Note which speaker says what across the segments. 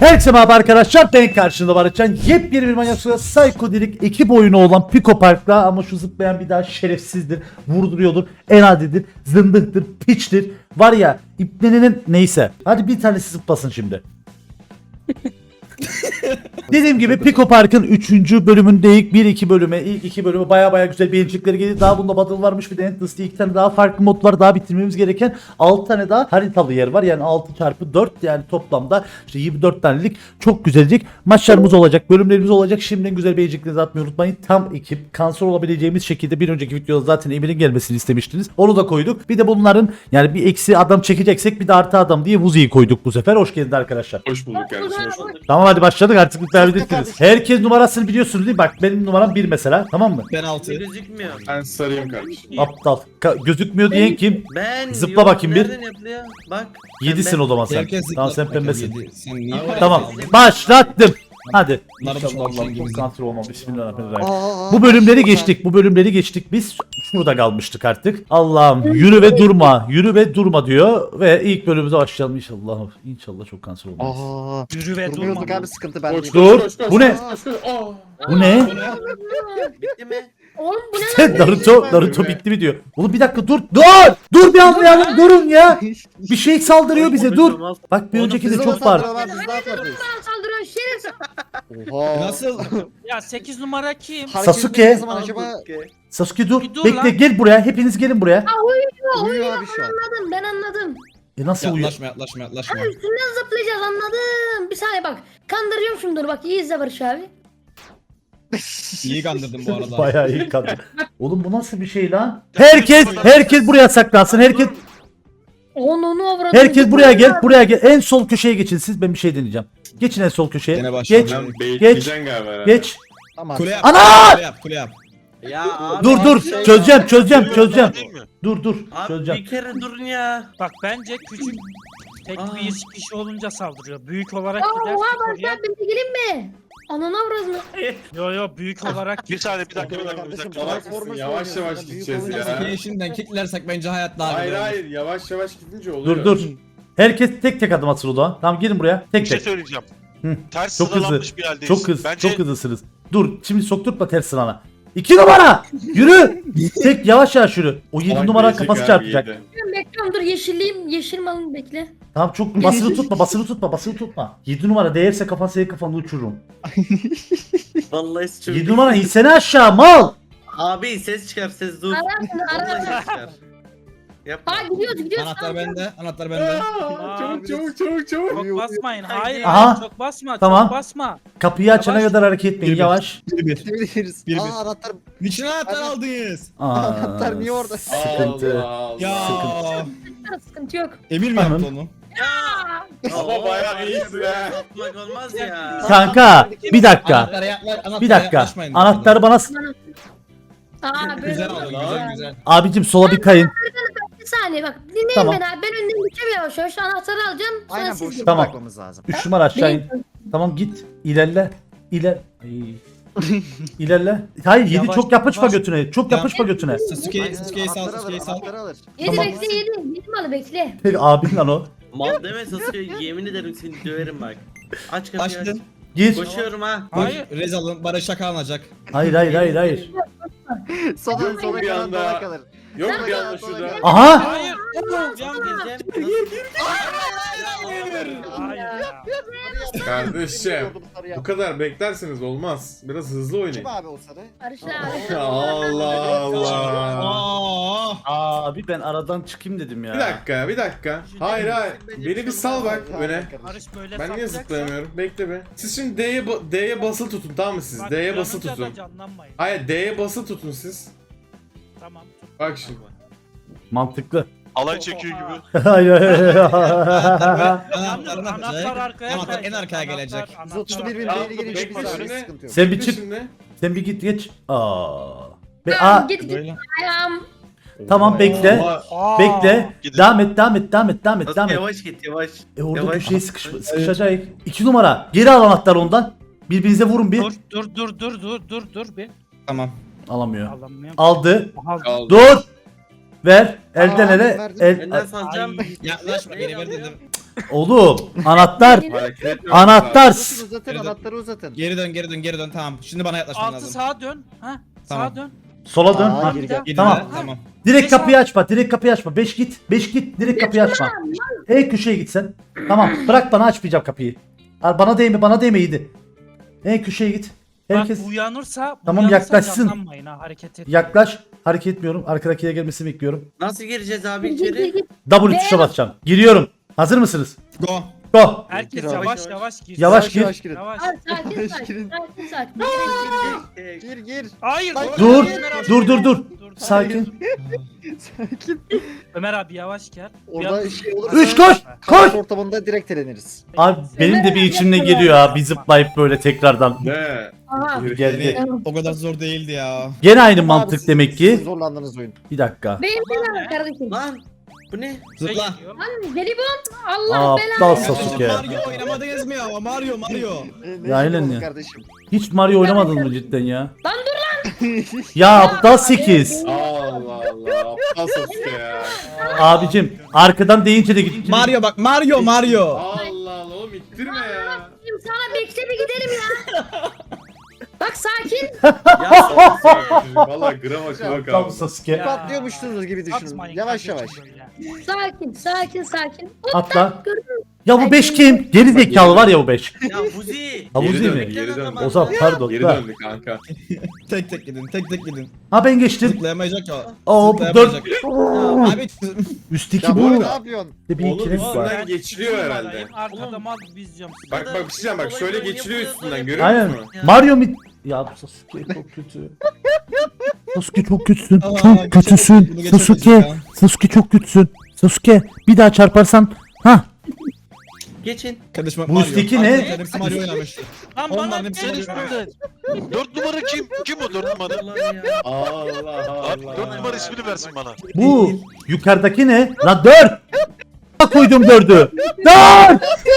Speaker 1: Herkese merhaba arkadaşlar, ben karşında Barışcan. Yepyeni bir Manyak Suya Psychodelik ekip oyunu olan Pico Park'ta, ama şu zıplayan bir daha şerefsizdir, vurduruyordur, enadidir, zındıktır, piçtir. Var ya, ipnenin neyse. Hadi bir tanesi zıplasın şimdi. Dediğim gibi Pico Park'ın 3. bölümündeyiz. 1-2 bölüme, ilk 2 bölümü baya güzel beğenecekleri geldi. Daha bunda battle varmış, bir de Endless diye 2 tane daha farklı mod var. Daha bitirmemiz gereken 6 tane daha haritalı yer var. Yani 6x4, yani toplamda işte 24 tanelik çok güzelcik maçlarımız olacak, bölümlerimiz olacak. Şimdiden güzel beğeneceklerinizi atmayı unutmayın. Tam ekip, kanser olabileceğimiz şekilde bir önceki videoda zaten Emir'in gelmesini istemiştiniz. Onu da koyduk. Bir de bunların yani bir eksi adam çekeceksek bir de artı adam diye Vuzi'yi koyduk bu sefer. Hoş geldin arkadaşlar.
Speaker 2: Hoş bulduk kardeşim, hoş bulduk.
Speaker 1: Tamam, hadi başladık artık, bitirebilirsiniz. Herkes numarasını biliyorsunuz değil mi? Bak benim numaram 1 mesela, tamam mı?
Speaker 3: Ben 6.
Speaker 4: Gözükmüyor.
Speaker 2: Ben sarayım kardeşim.
Speaker 1: Aptal. Gözükmüyor diyen kim?
Speaker 4: Ben
Speaker 1: Zıpla
Speaker 4: yok,
Speaker 1: bakayım bir.
Speaker 4: nereden yapılıyor? Bak.
Speaker 1: 7'sin o zaman sen.
Speaker 3: Herkes
Speaker 1: Tamam, sen
Speaker 3: zıplar.
Speaker 1: pembesin.
Speaker 3: Sen niye
Speaker 1: Tamam, başlattım. Hadi.
Speaker 3: Bunlar
Speaker 1: İnşallah
Speaker 3: boşuna
Speaker 1: Allah'ım
Speaker 3: gibi.
Speaker 1: konsantre olmam. Bismillahirrahmanirrahim. Bu bölümleri geçtik. Bu bölümleri geçtik. Biz şurada kalmıştık artık. Allah'ım yürü ve durma. Yürü ve durma diyor. Ve ilk bölümümüze başlayalım inşallah. İnşallah çok kanser olmayız.
Speaker 5: Yürü ve durma.
Speaker 6: Durmuyorduk abi, sıkıntı ben.
Speaker 2: Koş,
Speaker 1: Dur.
Speaker 2: koş, koş,
Speaker 1: Bu ne?
Speaker 2: koş, koş, koş. Aa.
Speaker 1: Bu ne?
Speaker 4: Bitti mi?
Speaker 5: Oğlum bu ne lan?
Speaker 1: Naruto bitti mi diyor. Oğlum bir dakika dur. Dur bir anlayalım, durun ya. Bir şey saldırıyor bize, dur. Bak bir önceki de çok var.
Speaker 6: Biz daha fazlayız.
Speaker 5: Bana saldırıyorsun şerefsiz.
Speaker 6: Oha.
Speaker 3: Nasıl?
Speaker 7: Ya 8 numara kim?
Speaker 6: Hareket
Speaker 1: Sasuke.
Speaker 6: ne zaman acaba?
Speaker 1: Sasuke dur.
Speaker 7: Bir dur
Speaker 1: Bekle,
Speaker 7: lan.
Speaker 1: gel buraya. Hepiniz gelin buraya.
Speaker 6: Uyuyor abi şu an.
Speaker 5: Anladım, ben anladım.
Speaker 1: Nasıl uyuyor?
Speaker 3: Yaklaşma.
Speaker 5: Abi üstünden zıplayacağız, anladım. Bir saniye bak. Kandırıyorum şunu, dur bak, iyi izle Barış abi.
Speaker 3: İyi kandırdın bu arada.
Speaker 1: Bayağı iyi kadın. Oğlum bu nasıl bir şey lan? Herkes buraya saklansın.
Speaker 5: Onu avradım.
Speaker 1: Herkes buraya gel. En sol köşeye geçin siz. Ben bir şey deneyeceğim. Geçin en sol köşeye.
Speaker 3: Gene başladı.
Speaker 1: Geç.
Speaker 2: Sen bekleyeceksin galiba herhalde.
Speaker 1: Geç.
Speaker 6: Tamam.
Speaker 3: Kule yap.
Speaker 1: Ana!
Speaker 3: Kule yap.
Speaker 4: Ya abi.
Speaker 1: Dur
Speaker 4: şey
Speaker 1: çözeceğim.
Speaker 7: Değil mi?
Speaker 1: Dur
Speaker 4: Abi
Speaker 1: çözeceğim.
Speaker 4: bir kere durun ya.
Speaker 7: Bak bence küçük tek
Speaker 4: Aa.
Speaker 7: bir kişi olunca saldırıyor. Büyük olarak
Speaker 5: Oha
Speaker 7: giderse
Speaker 5: Barış
Speaker 7: oraya.
Speaker 5: abi, ben gelin mi? Ananı avradım.
Speaker 7: Yo büyük olarak
Speaker 8: Bir saniye bir dakika.
Speaker 6: Kardeşim,
Speaker 2: Yavaş mısın? Yavaş yavaş gideceğiz ya.
Speaker 3: Sasuke'yi şimdiden kicklersek bence hayat daha
Speaker 2: Hayır
Speaker 3: güzel olur.
Speaker 2: hayır, yavaş gidince oluyor.
Speaker 1: Dur. Herkes tek adım atsın o zaman. Tamam, gelin buraya.
Speaker 8: Bir
Speaker 1: Tek
Speaker 8: şey
Speaker 1: tek.
Speaker 8: söyleyeceğim.
Speaker 1: Hı.
Speaker 8: Ters
Speaker 1: Çok hızlı.
Speaker 8: sıralanmış bir haldeyiz.
Speaker 1: Çok hızlısınız. Dur, şimdi sokturtma ters sırana. 2 numara. Yürü. Tek yavaş yürü. O 7
Speaker 2: Salak
Speaker 1: numara
Speaker 2: gelecek
Speaker 1: kafası
Speaker 2: abi,
Speaker 1: çarpacak.
Speaker 2: yedi.
Speaker 5: Bekliyorum, dur yeşilliyim. Yeşil malını bekle.
Speaker 1: Tamam, çok basılı tutma. 7 numara değerse senin kafanı uçururum.
Speaker 4: Vallahi çok.
Speaker 1: 7 numara insene aşağı mal.
Speaker 4: Abi ses çıkar, ses dur.
Speaker 5: Ararsın,
Speaker 4: Vallahi
Speaker 5: ararsın.
Speaker 4: ses çıkar. Yapma.
Speaker 5: Ha gidiyoruz.
Speaker 3: Anahtar bende.
Speaker 2: Aa, Çabuk.
Speaker 7: çok basmayın. Hayır,
Speaker 1: Aha.
Speaker 7: çok basma.
Speaker 1: Tamam.
Speaker 7: Çok basma.
Speaker 1: Kapıyı açana
Speaker 7: Yavaş.
Speaker 1: kadar hareket etmeyin,
Speaker 3: Bir.
Speaker 1: yavaş.
Speaker 6: Gidebiliriz.
Speaker 3: Bir.
Speaker 6: Aa, anahtar.
Speaker 3: Niçin anahtar aldınız?
Speaker 6: Anahtar niye orada?
Speaker 1: Sıkıntı.
Speaker 2: Allah
Speaker 3: Ya.
Speaker 2: Allah.
Speaker 5: Sıkıntı yok.
Speaker 3: Emir mi yaptı onu?
Speaker 2: Ama bayağı iyisin ha.
Speaker 4: Atmak olmaz ya.
Speaker 1: Kanka bir dakika.
Speaker 3: Anahtar'a yaklaşmayın.
Speaker 1: Anahtarı bana
Speaker 5: Aa böyle.
Speaker 3: Güzel oldu, güzel.
Speaker 1: abicim sola bir kayın.
Speaker 5: Bir saniye bak. Dinleyin
Speaker 1: Tamam.
Speaker 5: beni abi. Ben önden gideceğim yavaş yavaş. Anahtarı alacağım. Sonra
Speaker 6: Aynen,
Speaker 5: siz
Speaker 6: boşluğa
Speaker 5: gidin.
Speaker 1: Tamam.
Speaker 6: bırakmamız lazım.
Speaker 1: 3 numara aşağı in.
Speaker 5: Benim-
Speaker 1: Tamam, git. İlerle. Ay. İlerle. Hayır, 7
Speaker 7: Yavaş,
Speaker 1: çok yapışma
Speaker 7: yavaş.
Speaker 1: götüne. Çok yapışma götüne.
Speaker 3: Sasuke'yi sal.
Speaker 6: Anahtarı alır.
Speaker 5: Yedi
Speaker 1: Tamam.
Speaker 5: bekle yedi. Yedi malı bekle.
Speaker 1: Peki abin lan o.
Speaker 4: Mal deme Sasuke, yemin ederim seni döverim bak. Aç kapıyı aç.
Speaker 3: Açtın.
Speaker 1: Gir.
Speaker 4: Koşuyorum ha.
Speaker 7: Hayır.
Speaker 3: Rezal'ın Barış'a kalınacak.
Speaker 1: Hayır.
Speaker 6: Sola
Speaker 2: Yok,
Speaker 6: sola
Speaker 2: bir
Speaker 6: kalan
Speaker 2: anda.
Speaker 6: dola kalır.
Speaker 2: Yok bir anda şurada.
Speaker 1: Aha.
Speaker 7: Hayır.
Speaker 4: Gireceğim.
Speaker 7: Hayır ya.
Speaker 2: Kardeşim. Bu kadar beklerseniz olmaz. Biraz hızlı
Speaker 6: Kim
Speaker 2: oynayın.
Speaker 6: abi o sarı?
Speaker 5: Barışla abi.
Speaker 2: Allah Allah.
Speaker 1: Abi ben aradan çıkayım dedim ya.
Speaker 2: Bir dakika. Hayır. Beni bir sal bak öne.
Speaker 7: Barış böyle
Speaker 2: Ben niye
Speaker 7: saplayacaksa-
Speaker 2: zıplayamıyorum? Bekle be. Siz şimdi D'ye basılı tutun, tamam mı siz?
Speaker 7: Bak,
Speaker 2: D'ye basılı
Speaker 7: yanınca da
Speaker 2: tutun.
Speaker 7: canlanmayın.
Speaker 2: Hayır, D'ye basılı tutun siz.
Speaker 7: Tamam. tut.
Speaker 2: Bak şimdi.
Speaker 1: Mantıklı.
Speaker 8: Alay çekiyor gibi.
Speaker 1: Hayır.
Speaker 3: Anahtarını
Speaker 7: Anahtar
Speaker 3: yapacak.
Speaker 7: arkaya
Speaker 3: Anahtar en
Speaker 7: kayacak.
Speaker 3: arkaya
Speaker 7: Anahtar-
Speaker 3: gelecek.
Speaker 7: anahtar
Speaker 6: 131 bin
Speaker 7: arkaya-
Speaker 6: beyni geri
Speaker 2: Bekle
Speaker 6: çıkmış abi,
Speaker 2: şimdi.
Speaker 6: sıkıntı yok.
Speaker 1: Sen bir
Speaker 2: Bekle
Speaker 1: çık.
Speaker 2: şimdi.
Speaker 1: Sen bir geç. Be
Speaker 5: Tamam, git git.
Speaker 3: Böyle.
Speaker 5: Ayağım.
Speaker 1: Tamam, bekle.
Speaker 2: Oha.
Speaker 7: Aa.
Speaker 1: Bekle.
Speaker 8: Gidin.
Speaker 1: Devam et.
Speaker 4: Sasuke yavaş git yavaş.
Speaker 1: Orada
Speaker 4: Yavaş.
Speaker 1: köşeye sıkışacak. 2 numara. Geri al anahtarı ondan. Birbirinize vurun bir.
Speaker 7: Dur bir.
Speaker 3: Tamam.
Speaker 1: Alamıyor.
Speaker 7: Alamıyorum.
Speaker 1: Aldı.
Speaker 8: Kaldı.
Speaker 1: Dur. Ver. Elden
Speaker 6: Aa,
Speaker 1: ele.
Speaker 6: verdim.
Speaker 1: El.
Speaker 4: Benden salacağım.
Speaker 3: Yaklaşma, geri ver dedim.
Speaker 1: Oğlum anahtar.
Speaker 2: Hareket etmiyorum.
Speaker 1: Anahtar.
Speaker 6: Uzatın anahtarı uzatın.
Speaker 3: Geri dön tamam. Şimdi bana yaklaşman
Speaker 7: 6
Speaker 3: lazım.
Speaker 7: sağa dön. Ha?
Speaker 3: Tamam.
Speaker 7: Sağa dön.
Speaker 1: Sola dön.
Speaker 6: Aa,
Speaker 1: Ha.
Speaker 6: geri gel.
Speaker 3: Geri
Speaker 1: Tamam.
Speaker 3: dön, tamam.
Speaker 1: Direkt
Speaker 7: Beş
Speaker 1: kapıyı açma. Direkt kapıyı açma. 5 git. 5 git. Direkt kapıyı açma. En köşeye git sen. Tamam. Bırak bana açmayacağım kapıyı. Al bana değme. Bana değme iyiydi. En köşeye git. Herkes
Speaker 7: Bak uyanırsa
Speaker 1: Tamam, yaklaşsın.
Speaker 7: Yaklanmayın ha hareket et.
Speaker 1: yaklaş. Hareket etmiyorum. Arkadakiye gelmesini bekliyorum.
Speaker 4: Nasıl gireceğiz abi
Speaker 5: Git, git,
Speaker 4: içeri?
Speaker 5: git.
Speaker 1: W tuşa basacağım. Giriyorum. Hazır mısınız?
Speaker 3: Go.
Speaker 1: Go.
Speaker 7: Herkes
Speaker 6: Gir abi.
Speaker 7: yavaş yavaş gir.
Speaker 1: Yavaş gir.
Speaker 6: Yavaş girin.
Speaker 7: Yavaş.
Speaker 5: Abi sakin
Speaker 6: Yavaş
Speaker 5: sakin.
Speaker 6: girin.
Speaker 5: Sakin sakin.
Speaker 6: Gir gir.
Speaker 7: Hayır.
Speaker 1: Dur.
Speaker 7: Ömer abi.
Speaker 1: Dur.
Speaker 7: Dur,
Speaker 1: Sakin.
Speaker 6: Sakin.
Speaker 7: Ömer abi yavaş gel.
Speaker 6: Orada şey olursa
Speaker 1: 3 koş. Koş.
Speaker 6: kaos ortamında direkt eleniriz.
Speaker 1: Abi benim de bir içimden geliyor ha. Bir zıplayıp böyle tekrardan.
Speaker 2: Ne?
Speaker 5: Aha.
Speaker 1: Geldi.
Speaker 5: Tamam.
Speaker 3: O kadar zor değildi ya.
Speaker 1: Gene aynı
Speaker 6: Abi,
Speaker 1: mantık
Speaker 6: siz-
Speaker 1: demek
Speaker 6: siz
Speaker 1: ki.
Speaker 6: zorlandınız oyun.
Speaker 1: Bir dakika.
Speaker 5: Benim benim kardeşim.
Speaker 4: Lan bu ne?
Speaker 3: Zıpla.
Speaker 5: Lan jelibon. Allah
Speaker 1: Aptal
Speaker 5: belanı.
Speaker 1: Sasuke.
Speaker 3: Mario oynamadınız mı ya? Mario.
Speaker 6: Ne
Speaker 1: aynen
Speaker 6: oldu
Speaker 1: ya.
Speaker 6: kardeşim?
Speaker 1: Hiç Mario oynamadın mı cidden ya?
Speaker 5: Lan dur lan.
Speaker 1: Ya aptal 8.
Speaker 2: Allah Allah. Aptal Sasuke ya.
Speaker 1: Abicim arkadan deyince de git.
Speaker 3: Mario bak Mario.
Speaker 2: Allah Allah oğlum ittirme ya.
Speaker 5: Sana bekle bir gidelim ya. Bak sakin.
Speaker 4: Ya Sasuke.
Speaker 2: Valla gram açma
Speaker 1: Aptal
Speaker 2: kaldı.
Speaker 1: Sasuke.
Speaker 7: Ya.
Speaker 6: Patlıyormuşsunuz gibi düşünün.
Speaker 7: Atmayın
Speaker 6: Yavaş
Speaker 7: kardeşim
Speaker 6: yavaş.
Speaker 7: böyle.
Speaker 5: Sakin. Hop,
Speaker 1: Atla.
Speaker 5: gördün mü?
Speaker 1: Ya bu 5 kim? Geri zekalı var ya bu 5.
Speaker 4: Ya Buzi.
Speaker 1: Ha, Buzi
Speaker 2: Geri
Speaker 1: mi?
Speaker 2: döndük, geri döndük.
Speaker 1: Ozan pardon.
Speaker 2: Geri
Speaker 1: Da.
Speaker 2: döndük kanka.
Speaker 3: Tek gidin.
Speaker 1: Ha ben geçtim.
Speaker 3: Zıplayamayacak ya.
Speaker 1: Oo,
Speaker 3: Zıplayamayacak.
Speaker 1: dört.
Speaker 3: Abi
Speaker 1: Üstteki
Speaker 6: Ya
Speaker 1: bu.
Speaker 6: bu ne yapıyorsun?
Speaker 1: Bir
Speaker 2: Oğlum
Speaker 1: ikili var.
Speaker 2: üstünden geçiliyor herhalde.
Speaker 7: Arkada mal bizeceğim.
Speaker 2: Bak bak bir şey diyeceğim bak şöyle geçiliyor üstünden görüyor
Speaker 1: Aynen.
Speaker 2: musun?
Speaker 1: Mario mi? Ya bu Sasuke çok kötü. Sasuke çok kötüsün.
Speaker 3: Aa,
Speaker 1: Çok kötüsün.
Speaker 3: bunu geçemeyiz
Speaker 1: Sasuke.
Speaker 3: ya.
Speaker 1: Sasuke çok kötüsün. Sasuke bir daha çarparsan. Ha
Speaker 4: Geçin.
Speaker 3: Kardeşim
Speaker 1: Bu
Speaker 3: Mario.
Speaker 1: üstteki ne?
Speaker 3: Arkadaşlar hepsi Mario oynamıştı.
Speaker 7: Lan
Speaker 3: Onların
Speaker 7: bana
Speaker 3: hepsi
Speaker 7: bir
Speaker 3: Mario oynamıştı.
Speaker 8: 4 numara kim? Kim o 4 numara?
Speaker 4: Allah ya.
Speaker 2: Allah
Speaker 8: Abi 4
Speaker 2: Allah.
Speaker 8: numara ismini versin bana.
Speaker 1: bu yukarıdaki ne? Lan 4. Koydum 4'ü. 4.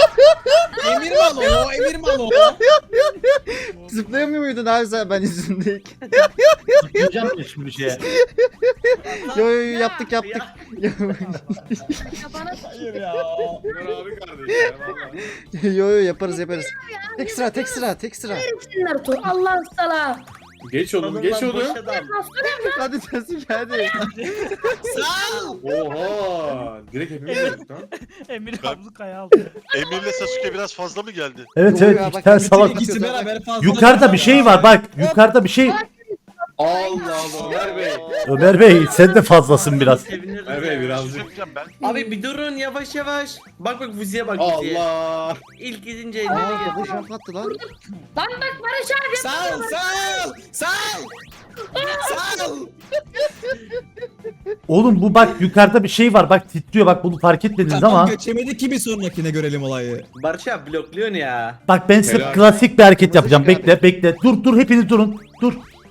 Speaker 3: Emir Malo.
Speaker 6: Zıplayamıyor muydun abi sen ben yüzündeyken?
Speaker 1: Diyeceğim ya şimdi bir şeye.
Speaker 6: Yo yaptık.
Speaker 5: Ya bana
Speaker 3: Hayır ya.
Speaker 2: Ömer abi kardeşim ya valla.
Speaker 6: Yo yaparız. Tek sıra.
Speaker 5: Naruto. Allah sana.
Speaker 2: Geç oğlum geç oğlum.
Speaker 4: Boş adam.
Speaker 6: Hadi Sasuke hadi.
Speaker 2: Oha. Direkt hepimiz öldük lan.
Speaker 7: Emir ablukaya aldı.
Speaker 8: Emir'le Sasuke biraz fazla mı geldi?
Speaker 1: Evet
Speaker 6: Yo
Speaker 1: evet
Speaker 6: ya,
Speaker 1: iki
Speaker 6: bak,
Speaker 1: tane
Speaker 6: bütün
Speaker 1: salak.
Speaker 3: İkisi beraber fazla.
Speaker 1: Yukarıda bir şey var bak. Yukarıda bir şey.
Speaker 2: Allah Allah Ömer Bey.
Speaker 1: Ömer Bey sen de fazlasın biraz.
Speaker 4: Sevinirdim
Speaker 2: Ömer
Speaker 4: ya.
Speaker 2: Bey
Speaker 8: Bir şey
Speaker 2: birazcık.
Speaker 8: söyleyeceğim ben.
Speaker 4: Abi bir durun yavaş yavaş. Bak Buzi'ye bak Buzi'ye.
Speaker 2: Allah.
Speaker 4: İlk gidince eline
Speaker 6: Aa
Speaker 4: geldi.
Speaker 6: bu şart attı lan.
Speaker 5: Lan bak Barış abi.
Speaker 3: Sal.
Speaker 1: Oğlum bu bak yukarıda bir şey var bak titriyor bak bunu fark etmediniz
Speaker 3: Tamam
Speaker 1: ama.
Speaker 3: geçemedi ki bir sonrakine görelim olayı.
Speaker 4: Barış abi blokluyorsun ya.
Speaker 1: Bak ben size
Speaker 2: Helal.
Speaker 1: klasik bir hareket
Speaker 6: Nasıl
Speaker 1: yapacağım.
Speaker 6: çıkar?
Speaker 1: Bekle. Dur hepiniz durun. Dur.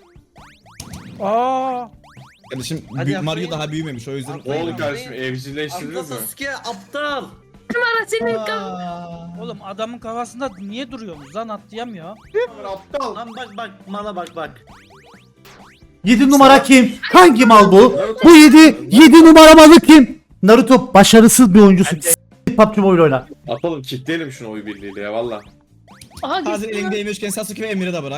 Speaker 7: Aa.
Speaker 3: Kardeşim
Speaker 4: Hadi yapmayın.
Speaker 3: Mario daha büyümemiş o yüzden.
Speaker 2: Ne oldu kardeşim evcilleştirdiniz
Speaker 4: Aptal
Speaker 2: mi?
Speaker 4: Sasuke aptal.
Speaker 5: Bana senin
Speaker 7: Oğlum adamın kafasında niye duruyorsunuz lan atlayamıyor.
Speaker 2: Aptal.
Speaker 4: Lan bak mala bak.
Speaker 1: 7 numara kim? Hangi mal bu? Bu 7 numara malı kim? Naruto başarısız bir oyuncusun. PUBG Mobile oyna.
Speaker 2: Atalım kitleyelim şunu oy birliğiyle ya valla.
Speaker 5: Aha
Speaker 3: Hazır
Speaker 5: gitti.
Speaker 3: elindeymişken Sasuke ve Emir'i de bırak.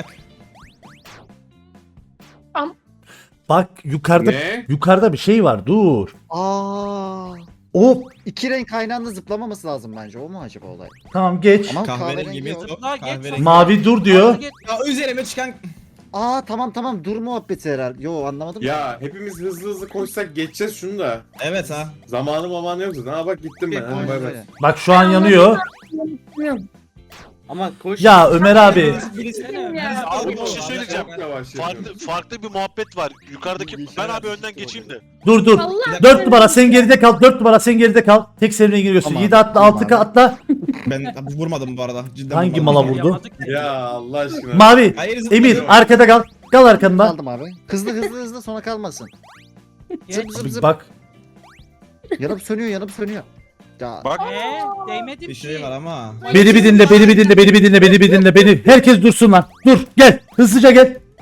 Speaker 1: Bak yukarıda
Speaker 2: Ne?
Speaker 1: yukarıda bir şey var. Dur.
Speaker 6: Aa.
Speaker 1: O
Speaker 6: İki renk aynı anda zıplamaması lazım bence. O mu acaba olay?
Speaker 1: tamam geç.
Speaker 6: Ama
Speaker 3: Kahverengi
Speaker 6: kahverengi
Speaker 3: mi?
Speaker 6: yok.
Speaker 3: Yok
Speaker 7: Daha geç.
Speaker 3: kahverengi.
Speaker 1: Mavi dur diyor.
Speaker 3: Ya üzerime çıkan
Speaker 6: Aa tamam dur muhabbeti herhalde. Yo anlamadım.
Speaker 2: Ya hepimiz hızlı koşsak geçeceğiz şunu da.
Speaker 3: evet ha.
Speaker 2: Zamanı yoksa. Ha bak gittim ben. Hadi bay bay.
Speaker 1: Bak şu an yanıyor.
Speaker 5: Bilmiyorum.
Speaker 4: Ama koş.
Speaker 1: Ya Ömer abi.
Speaker 5: Ya.
Speaker 8: Abi bir şey söyleyeceğim.
Speaker 2: Çok yavaş yapıyorum.
Speaker 8: Farklı bir muhabbet var. Yukarıdaki ben abi önden geçeyim de.
Speaker 1: Dur.
Speaker 5: Allah
Speaker 1: 4 numara sen geride kal. 4 numara sen geride kal. Tek seferine giriyorsun.
Speaker 6: Tamam.
Speaker 1: 7 atla
Speaker 6: Tamam
Speaker 1: 6
Speaker 6: abi.
Speaker 1: atla.
Speaker 3: Ben vurmadım bu arada. Cidden
Speaker 1: Hangi
Speaker 3: vurmadım.
Speaker 1: mala vurdu?
Speaker 7: Yapamadık.
Speaker 2: Ya Allah aşkına.
Speaker 1: Mavi.
Speaker 3: Hayır,
Speaker 1: Emir
Speaker 3: zıplıyorum.
Speaker 1: arkada kal. Kal arkanda.
Speaker 6: Aldım abi. Hızlı sona kalmasın. Zıp.
Speaker 1: Bak.
Speaker 6: Yanıp sönüyor. Ya
Speaker 8: Bak
Speaker 7: Değmedi
Speaker 3: Bir şey var ama.
Speaker 1: Beni bir dinle. Beni. Herkes dursun lan. Dur gel. Hızlıca gel.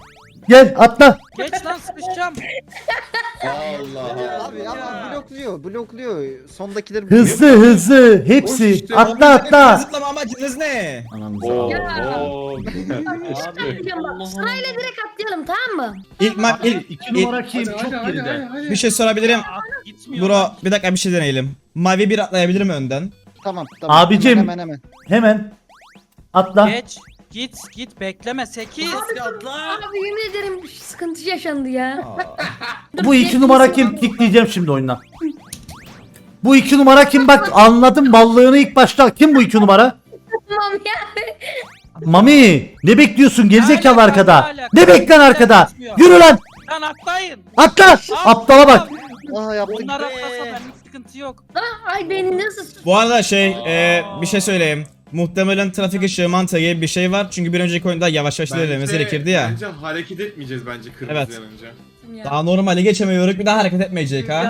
Speaker 1: Gel atla.
Speaker 7: Geç lan sıkışacağım.
Speaker 2: Allah.
Speaker 6: Abi ama blokluyor. Sondakileri
Speaker 1: Hızlı. Hepsi.
Speaker 2: işte.
Speaker 1: Atla atla.
Speaker 3: Zıplama amacınız ne?
Speaker 6: Anamıza.
Speaker 2: Oo,
Speaker 5: Ya.
Speaker 2: oo.
Speaker 5: Atlayalım bak. Sırayla direkt atlayalım tamam mı?
Speaker 3: İlk
Speaker 1: 2 numara kim? Çok geride.
Speaker 3: bir şey sorabilirim.
Speaker 7: At gitmiyor.
Speaker 3: Bro bir dakika bir şey deneyelim. Mavi bir atlayabilir mi önden?
Speaker 6: Tamam.
Speaker 1: Abicim.
Speaker 6: Hemen.
Speaker 1: Hemen. Atla.
Speaker 7: Geç. Git bekleme 8.
Speaker 4: Atla.
Speaker 5: Abi yemin ederim bir sıkıntı yaşandı ya.
Speaker 1: Bu 2 numara kim? Kikleyeceğim şimdi oyundan. Bu 2 numara kim? Bak anladım ballığını ilk başta. Kim bu 2 numara?
Speaker 5: Tamam ya.
Speaker 1: Mami ne bekliyorsun gerizekalı
Speaker 7: Ne alaka,
Speaker 1: arkada?
Speaker 7: ne alaka?
Speaker 1: Ne beklen arkada?
Speaker 7: Gitmiyor.
Speaker 1: Yürü lan.
Speaker 7: Lan atlayın.
Speaker 1: Atla. Aptala bak.
Speaker 6: Aha yaptık.
Speaker 7: Onlar atlasa benlik sıkıntı yok.
Speaker 5: Ay beni nasıl
Speaker 3: Bu arada bir şey söyleyeyim. Muhtemelen trafik ışığı mantığı gibi bir şey var. Çünkü bir önceki oyunda yavaş yavaş ilerlememiz gerekirdi ya.
Speaker 2: Bence hareket etmeyeceğiz bence kırmızı
Speaker 3: Evet.
Speaker 2: yanınca.
Speaker 5: ya.
Speaker 3: Daha normali geçemiyoruz. Bir daha hareket etmeyecek ha.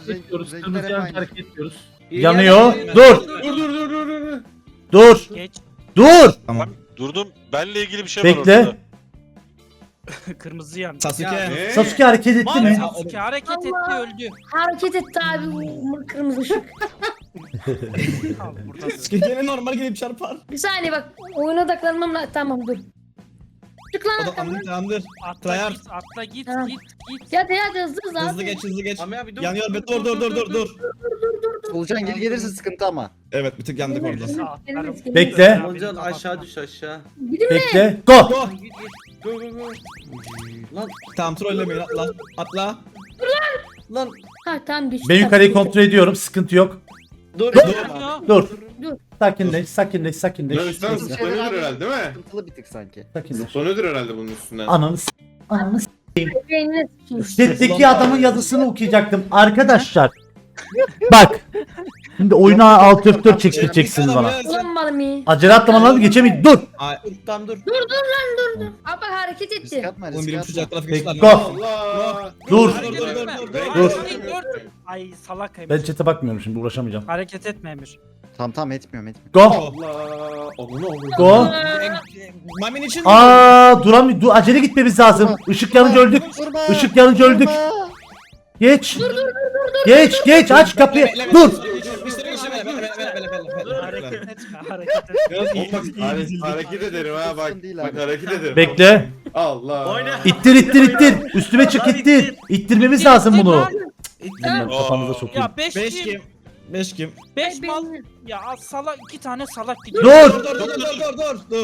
Speaker 1: Yanıyor. Dur.
Speaker 2: Dur.
Speaker 7: Geç.
Speaker 1: Dur.
Speaker 3: Tamam.
Speaker 8: Durdum. Benle ilgili bir şey var
Speaker 1: Bekle.
Speaker 8: ortada.
Speaker 7: Kırmızı yan.
Speaker 3: Sasuke.
Speaker 2: Ne?
Speaker 1: Sasuke hareket etti mi?
Speaker 7: Sasuke hareket etti öldü.
Speaker 5: Hareket etti abi bu kırmızı ışık.
Speaker 7: Al burada.
Speaker 3: Sasuke gene normal gelip çarpar.
Speaker 5: Bir saniye bak oyuna odaklanmam lazım. Tamam dur. Çık lan arkamdan.
Speaker 3: Tamamdır.
Speaker 7: Atla
Speaker 3: Tryhard.
Speaker 7: git, atla git,
Speaker 5: Tamam.
Speaker 7: git.
Speaker 5: Hadi hızlı abi.
Speaker 3: Hızlı geç.
Speaker 4: Mami abi dur.
Speaker 3: Yanıyor be dur.
Speaker 6: Solucan geri gelirse sıkıntı ama.
Speaker 3: Evet bir tık yandık orada.
Speaker 7: Atlarım.
Speaker 1: Bekle.
Speaker 4: Olcan aşağı düş aşağı.
Speaker 5: Gidin mi?
Speaker 1: Bekle. Go.
Speaker 3: Go.
Speaker 4: Go. Lan
Speaker 3: Tamam trollemeyin atla.
Speaker 4: lan
Speaker 5: Ha tamam geçti.
Speaker 1: Ben yukarıyı kontrol ediyorum. Sıkıntı yok.
Speaker 4: dur.
Speaker 1: Dur.
Speaker 5: Dur.
Speaker 1: Sakinleş.
Speaker 2: Lan üstten zıplanıyordur herhalde değil mi?
Speaker 6: Sıkıntılı bir tık sanki.
Speaker 1: Sakinleş.
Speaker 2: Zıplanıyordur herhalde bunun üstünden.
Speaker 1: Ananı s- Ananı s-
Speaker 5: Beynine sıçayım.
Speaker 1: Chat'teki adamın yazısını okuyacaktım. Arkadaşlar. Bak. Şimdi oyuna alt F4 çektireceksiniz bana.
Speaker 5: Ulan mı?
Speaker 1: Acele atlama lan geçemeyin. Dur.
Speaker 4: Tamam dur.
Speaker 5: Dur lan dur. Abi hareket
Speaker 6: Risk
Speaker 5: etti.
Speaker 6: atma
Speaker 3: Oğlum
Speaker 6: risk
Speaker 3: birim
Speaker 6: atma.
Speaker 3: çocuğa trafik
Speaker 1: Bekle.
Speaker 3: ışıkları.
Speaker 2: Allah.
Speaker 1: Dur.
Speaker 7: Hareket etme.
Speaker 1: Dur.
Speaker 7: Dur. Ay salak Emir.
Speaker 1: Ben chat'e bakmıyorum şimdi uğraşamayacağım.
Speaker 7: Hareket etme Emir.
Speaker 6: Tamam etmiyorum.
Speaker 1: Go.
Speaker 2: Allah. Onu
Speaker 1: Go.
Speaker 3: Mamin için
Speaker 1: Duramıyor. Dur, acele gitmemiz lazım. Işık yanınca öldük.
Speaker 6: Vurma.
Speaker 1: Işık yanınca öldük. Geç. Geç aç kapıyı. Dur.
Speaker 7: Hareket etme, hareket etme.
Speaker 2: hareket ederim ha bak.
Speaker 6: Değil
Speaker 2: Bak
Speaker 6: abi.
Speaker 2: hareket ederim.
Speaker 1: Bekle.
Speaker 2: Allah.
Speaker 4: Oyna.
Speaker 1: İttir. Üstüme çık ittir. İttirmemiz lazım bunu.
Speaker 5: Tamam.
Speaker 1: Kafanıza sokayım.
Speaker 7: Ya 5
Speaker 3: 5
Speaker 7: kim?
Speaker 3: kim? 5 kim?
Speaker 7: 5
Speaker 5: Ay,
Speaker 7: mal.
Speaker 5: benim-
Speaker 7: Ya salak 2 tane salak gidiyor.
Speaker 1: Dur.
Speaker 3: Dur.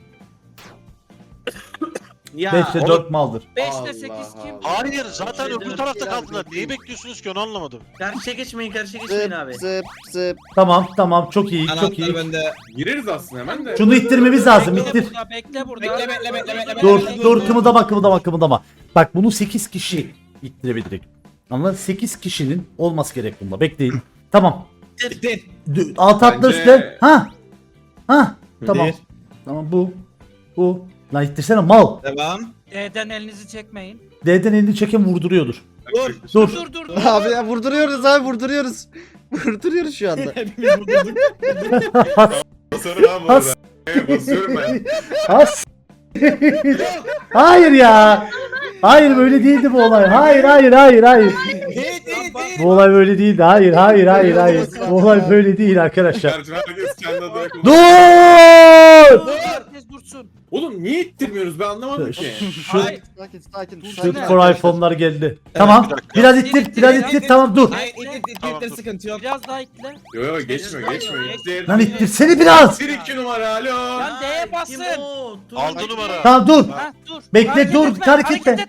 Speaker 4: Ya.
Speaker 1: 5'te 4 maldır.
Speaker 7: 5'te 8
Speaker 2: Allah
Speaker 7: kim?
Speaker 2: Allah.
Speaker 8: Hayır zaten
Speaker 4: Şey,
Speaker 8: öbür
Speaker 4: dur,
Speaker 8: tarafta
Speaker 6: biraz
Speaker 8: kaldılar. Neyi bekliyorsunuz ki onu anlamadım.
Speaker 4: Karşıya geçmeyin abi.
Speaker 6: Zıp.
Speaker 1: Tamam çok iyi.
Speaker 3: Anahtar bende.
Speaker 2: Gireriz aslında hemen de.
Speaker 1: Şunu ittirmemiz lazım. İttir.
Speaker 7: Bekle burada.
Speaker 3: Bekle.
Speaker 1: Dur kımıldama. Bak bunu 8 kişi ittirebildik. Anladın? 8 kişinin olması gerek bunda. Bekleyin. Tamam.
Speaker 3: Bitti.
Speaker 1: Alt atla
Speaker 2: Bence-
Speaker 1: üstte. Ha. Tamam.
Speaker 3: Bir.
Speaker 1: Tamam bu. Lan ittirsene mal.
Speaker 3: Devam.
Speaker 7: D'den elinizi çekmeyin.
Speaker 1: D'den elini çeken vurduruyordur.
Speaker 3: Dur.
Speaker 1: Dur.
Speaker 7: Dur.
Speaker 6: Abi ya vurduruyoruz. Vurduruyoruz şu anda.
Speaker 3: Hepimiz vurdurduk.
Speaker 2: Basarım ha bu arada. Basıyorum ben.
Speaker 1: As. Hayır ya. Hayır böyle değildi bu olay. Hayır. Bu olay böyle değildi. Hayır. Bu olay böyle değil arkadaşlar.
Speaker 2: Karşı herkes kendi adına kullanıyor.
Speaker 1: Dur.
Speaker 7: Herkes dursun.
Speaker 2: Oğlum niye ittirmiyoruz ben anlamadım ki.
Speaker 1: Şu
Speaker 6: Sakin.
Speaker 1: Shoot for iPhone'lar geldi. Tamam.
Speaker 8: bir dakika.
Speaker 1: Biraz ittir. Tamam dur.
Speaker 3: Hayır it sıkıntı yok.
Speaker 7: Biraz daha itle.
Speaker 2: Yo geçmiyor. İttir.
Speaker 1: Lan ittirsene biraz.
Speaker 2: 1-2 numara alo.
Speaker 7: Lan D'ye basın.
Speaker 4: Kim o? Dur.
Speaker 8: 6 numara.
Speaker 1: Tamam dur.
Speaker 7: Ha dur.
Speaker 1: Bekle, dur, hareket etme.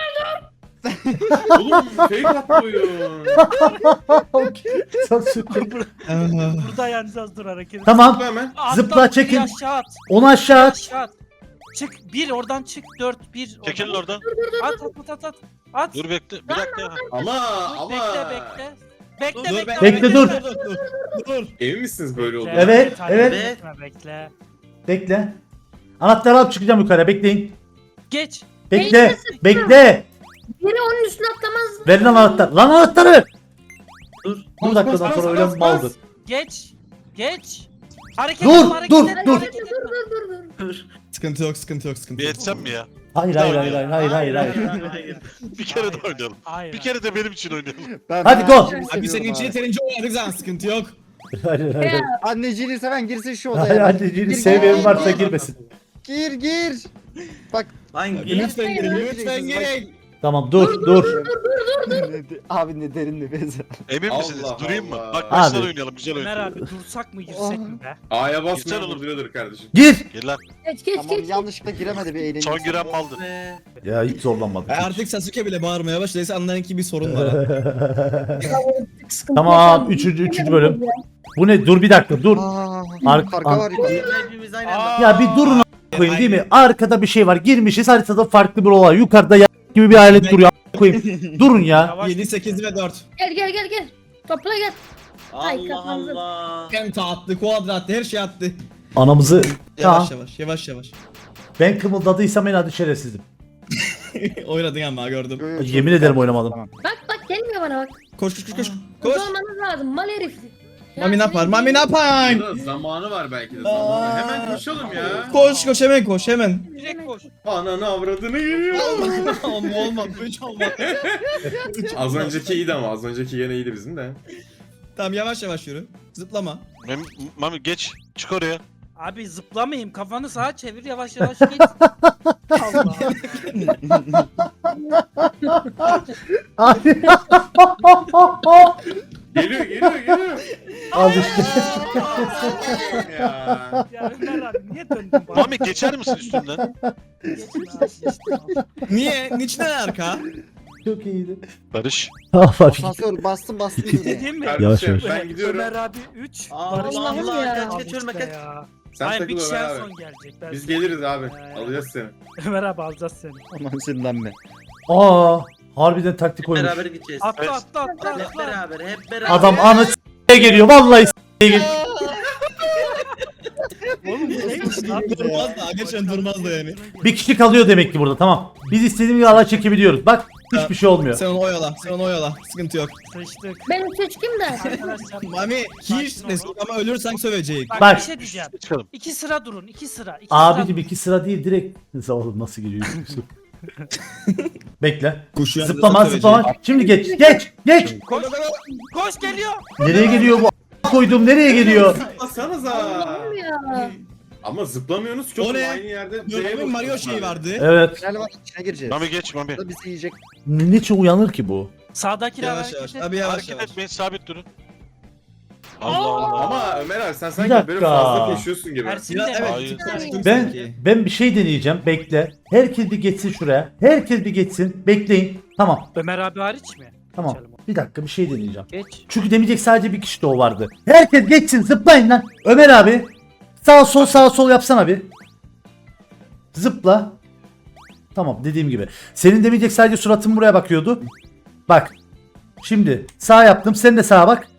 Speaker 2: Oğlum fake atlıyor.
Speaker 7: Burada yanacağız dur hareket.
Speaker 1: Tamam.
Speaker 2: Hemen.
Speaker 7: Atla,
Speaker 1: Zıpla, çekin.
Speaker 7: bir aşağı at.
Speaker 1: Onu aşağı at.
Speaker 7: Aşağı at. Çık 1 oradan çık 4 1.
Speaker 8: Çekilin oradan.
Speaker 7: At. At.
Speaker 8: Dur bekle. Bir dakika ya.
Speaker 2: Ama
Speaker 7: Bekle. Bekle
Speaker 3: Dur,
Speaker 7: bekle.
Speaker 1: Bekle, dur.
Speaker 3: Dur.
Speaker 2: emin misiniz böyle oldu?
Speaker 1: Evet.
Speaker 7: Bekle.
Speaker 1: Bekle. Anahtarı alıp çıkacağım yukarı. Bekleyin.
Speaker 7: Geç.
Speaker 1: Bekle.
Speaker 5: Biri onun üstüne atlamaz.
Speaker 1: Verin anahtar. Lan anahtarı.
Speaker 4: Dur.
Speaker 1: Bu dakikadan sonra öyle maldır.
Speaker 7: Geç. Hareket
Speaker 1: Dur,
Speaker 7: etme, hareket
Speaker 1: dur,
Speaker 7: etme,
Speaker 1: dur.
Speaker 7: hareket etme.
Speaker 5: Dur.
Speaker 4: Dur.
Speaker 3: Sıkıntı yok, sıkıntı yok, sıkıntı
Speaker 8: Bir
Speaker 3: yok.
Speaker 8: etsem mi ya?
Speaker 1: Hayır hayır hayır hayır hayır hayır.
Speaker 4: Hayır.
Speaker 8: Bir kere de oynayalım.
Speaker 7: Hayır.
Speaker 8: Bir kere de benim için oynayalım.
Speaker 1: Hadi go.
Speaker 3: Abi senin için yeterince oynadık zaten, sıkıntı yok.
Speaker 1: Hayır hayır.
Speaker 5: Ya,
Speaker 6: Anneciğini seven girsin şu
Speaker 1: Hayır
Speaker 6: odaya.
Speaker 1: anneciğini
Speaker 6: Gir,
Speaker 1: sevmeyen
Speaker 6: gir,
Speaker 1: varsa
Speaker 6: gir.
Speaker 1: girmesin.
Speaker 6: Gir. Bak.
Speaker 4: Hangi?
Speaker 3: Lütfen girin, lütfen girin.
Speaker 1: Tamam dur.
Speaker 6: Abi ne derin nefes.
Speaker 8: Emin
Speaker 2: Allah
Speaker 8: misiniz? Durayım mı?
Speaker 2: Allah.
Speaker 8: Bak baştan
Speaker 1: Abi.
Speaker 8: oynayalım, güzel
Speaker 7: Ömer
Speaker 8: oynayalım.
Speaker 7: abi dursak mı girsek mi be?
Speaker 2: A'ya
Speaker 8: Güzel
Speaker 2: basmayan
Speaker 8: olur.
Speaker 2: duruyordur kardeşim.
Speaker 1: Gir.
Speaker 8: Gel lan.
Speaker 5: geç
Speaker 6: Tamam
Speaker 5: geç.
Speaker 6: yanlışlıkla giremedi bir eğlence.
Speaker 8: Son giren maldı.
Speaker 1: Ya hiç zorlanmadım.
Speaker 3: Artık Sasuke bile bağırmaya başladıysa anlayın ki bir sorun var.
Speaker 5: Sıkıntı
Speaker 1: Tamam
Speaker 5: yaşandı.
Speaker 1: 3. bölüm. Bu ne? Dur bir dakika dur.
Speaker 6: Karga var yukarıda.
Speaker 4: Hepimiz aynı anda.
Speaker 1: Ya bir durun koyayım değil mi? Arkada bir şey var. Girmişiz haritada farklı bir olay. Yukarıda gibi bir alet duruyor. Koyayım. Durun ya.
Speaker 7: Yavaş.
Speaker 3: 7, 8 ve 4.
Speaker 5: Gel. Topla gel. Ay,
Speaker 4: Allah
Speaker 5: kapandı.
Speaker 4: Allah.
Speaker 3: Penta attı, kuadra attı, her şey attı.
Speaker 1: Anamızı.
Speaker 3: Yavaş
Speaker 1: Tamam.
Speaker 3: yavaş.
Speaker 1: Ben kımıldadıysam en adı şerefsizim.
Speaker 3: Oynadın ama gördüm.
Speaker 1: Yemin ederim oynamadım.
Speaker 6: Tamam.
Speaker 5: Bak gelmiyor bana bak.
Speaker 3: Koş.
Speaker 5: Koş.
Speaker 3: Koş.
Speaker 5: Olmanız lazım mal herif. Ya
Speaker 3: Mami ne yapar?
Speaker 5: senin-
Speaker 3: Mami ne yapar?
Speaker 2: Burada zamanı var belki de zamanı. Hemen koşalım ya.
Speaker 3: Koş hemen.
Speaker 7: Direkt koş.
Speaker 2: Ananı avradını geliyor.
Speaker 3: Olmaz. 3 olmaz.
Speaker 2: Az önceki iyiydi ama az önceki yine iyiydi bizim de.
Speaker 3: Tamam yavaş yürü. Zıplama.
Speaker 8: Mami geç. Çık oraya.
Speaker 7: Abi zıplamayayım. Kafanı sağa çevir yavaş git. Allah.
Speaker 2: Geliyor.
Speaker 1: Al işte.
Speaker 2: Ya.
Speaker 7: Ya Ömer abi niye döndün bana?
Speaker 8: Mami geçer misin üstünden?
Speaker 7: Geçtim abi.
Speaker 3: Niye? Niçin arka?
Speaker 1: Çok iyiydi.
Speaker 8: Barış.
Speaker 6: Asansör bastım.
Speaker 7: Değil mi?
Speaker 1: Yavaş.
Speaker 2: Kardeşim ben gidiyorum.
Speaker 7: Ömer abi 3.
Speaker 4: Allah Allah.
Speaker 5: ya.
Speaker 4: Kaç Ömer kaç.
Speaker 2: Sen
Speaker 7: Hayır bir
Speaker 2: takıl
Speaker 7: kişi
Speaker 2: Ömer
Speaker 7: en
Speaker 2: abi.
Speaker 7: son gelecek. Ben
Speaker 2: Biz
Speaker 7: sana-
Speaker 2: geliriz abi.
Speaker 7: Ee.
Speaker 2: Alacağız seni.
Speaker 7: Ömer abi alacağız seni.
Speaker 6: Aman sinirlenme.
Speaker 1: Aa, harbiden taktik oymuş.
Speaker 4: Beraber gideceğiz.
Speaker 7: Atla.
Speaker 4: Hep beraber.
Speaker 1: Adam anı s***ye geliyor. Vallahi s***ye geliyor.
Speaker 7: Oğlum bu neymiş lan?
Speaker 3: Durmaz da. Geçen durmaz da yani.
Speaker 1: Bir kişi kalıyor demek ki burada. Tamam. Biz istediğimiz gibi ala çekebiliyoruz. Bak hiçbir şey olmuyor.
Speaker 3: Sen onu oyala. Sıkıntı yok.
Speaker 7: Sıçtık.
Speaker 5: Benim seçkim de.
Speaker 7: Arkadaşlar.
Speaker 3: Mami hiç ne ama ölürsen sövecek.
Speaker 7: Bak,
Speaker 1: Bak.
Speaker 7: bir şey diyeceğim.
Speaker 8: Çıkalım.
Speaker 7: 2 sıra durun. 2 sıra.
Speaker 1: Abicim 2 sıra değil direkt. Oğlum nasıl giriyor? Bekle.
Speaker 3: Kuşu
Speaker 1: Zıplama. Şimdi geç.
Speaker 7: Koş geliyor.
Speaker 1: Nereye geliyor bu? Koydum nereye geliyor?
Speaker 2: Zıplasanıza.
Speaker 5: Allah'ım ya.
Speaker 2: Ama zıplamıyorsunuz ki
Speaker 3: O
Speaker 2: oğlum
Speaker 3: ne?
Speaker 2: aynı yerde.
Speaker 3: Dönemin Mario şeyi vardı.
Speaker 1: Evet.
Speaker 6: Gel bak içine gireceğiz.
Speaker 8: Mami geç Mami.
Speaker 6: Da bizi yiyecek.
Speaker 1: Niçin uyanır ki bu?
Speaker 7: Sağdakiler
Speaker 3: Yavaş.
Speaker 7: hareket et.
Speaker 3: Abi yavaş.
Speaker 8: Hareket etmeyin, sabit durun. Allah Allah.
Speaker 2: Ama Ömer abi sen
Speaker 1: Bir
Speaker 2: sanki
Speaker 1: dakika.
Speaker 2: böyle fazla koşuyorsun gibi.
Speaker 7: Ersin
Speaker 3: Biraz
Speaker 7: de
Speaker 3: evet.
Speaker 8: Hayır.
Speaker 3: Konuştum
Speaker 1: Ben
Speaker 3: sanki.
Speaker 1: ben bir şey deneyeceğim. Bekle. Herkes bir geçsin şuraya. Herkes bir geçsin. Bekleyin. Tamam.
Speaker 7: Ömer abi hariç mi?
Speaker 1: Tamam.
Speaker 7: Geçelim.
Speaker 1: Bir dakika bir şey deneyeceğim.
Speaker 7: Geç.
Speaker 1: Çünkü demeyecek sadece bir kişi de o vardı. Herkes geçsin zıplayın lan. Ömer abi. Sağ sol yapsana bir. Zıpla. Tamam dediğim gibi. Senin demeyecek sadece suratın buraya bakıyordu. Bak. Şimdi sağ yaptım. Sen de sağa bak.